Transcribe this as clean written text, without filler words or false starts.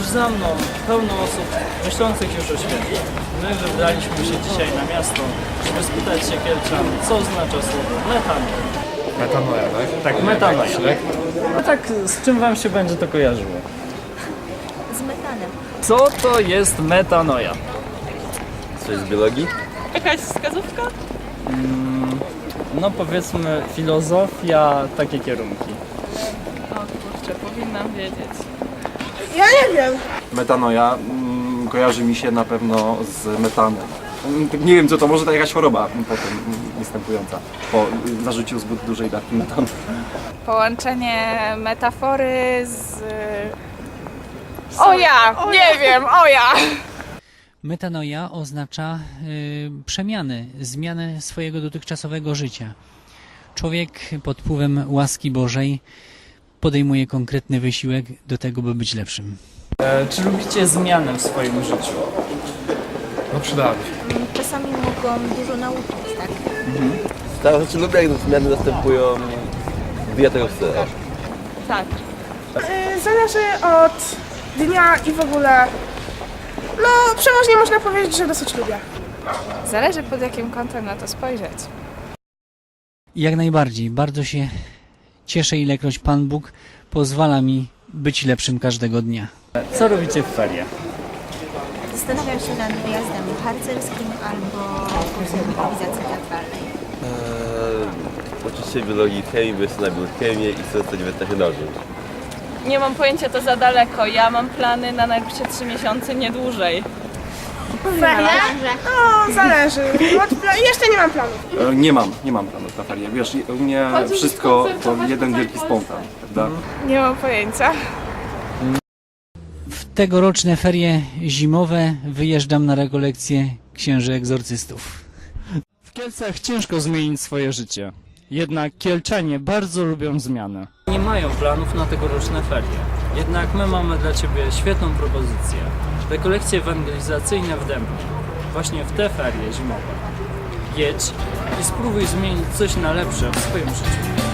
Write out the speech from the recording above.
za mną pełno osób myślących już o świecie. My wybraliśmy się dzisiaj na miasto, żeby spytać się Kielczan, co oznacza słowo metanoja. Metanoja, tak? Tak, metanoja. Tak? No tak, z czym wam się będzie to kojarzyło? Z metanem. Co to jest metanoja? Coś z biologii? Jakaś wskazówka? No powiedzmy filozofia, takie kierunki. O kurczę, powinnam wiedzieć. Ja nie wiem. Metanoja kojarzy mi się na pewno z metanem. Nie wiem co to, może to jakaś choroba potem występująca po zażyciu zbyt dużej dawki metanu. Połączenie metafory z... O ja! Nie wiem, o ja! Metanoja oznacza przemiany, zmianę swojego dotychczasowego życia. Człowiek pod wpływem łaski Bożej podejmuje konkretny wysiłek do tego, by być lepszym. Czy lubicie zmiany w swoim życiu? No przydałaby się. Czasami mogą dużo nauczyć, tak? Tak, znaczy lubię jak zmiany następują, gdy ja tego chcę. Tak. Zależy od dnia i w ogóle. No, przeważnie można powiedzieć, że dosyć lubię. Zależy pod jakim kątem na to spojrzeć. Jak najbardziej, bardzo się cieszę, ilekroć Pan Bóg pozwala mi być lepszym każdego dnia. Co robicie w ferie? Zastanawiam się nad wyjazdem harcerskim albo kursem improwizacji teatralnej. Uczyć się biologii, chemii, bo jestem na biochemię i chcę zostać weterynarzem. Nie mam pojęcia, to za daleko. Ja mam plany na najbliższe 3 miesiące, nie dłużej. Ferie? No, zależy. Jeszcze nie mam planów. Nie mam planów na ferie. Wiesz, u mnie wszystko to jeden wielki spontan, prawda? Nie mam pojęcia. W tegoroczne ferie zimowe wyjeżdżam na rekolekcje księży egzorcystów. W Kielcach ciężko zmienić swoje życie. Jednak Kielczanie bardzo lubią zmiany. Nie mają planów na tegoroczne ferie. Jednak my mamy dla Ciebie świetną propozycję. Rekolekcje ewangelizacyjne w Dębnie. Właśnie w te ferie zimowe. Jedź i spróbuj zmienić coś na lepsze w swoim życiu.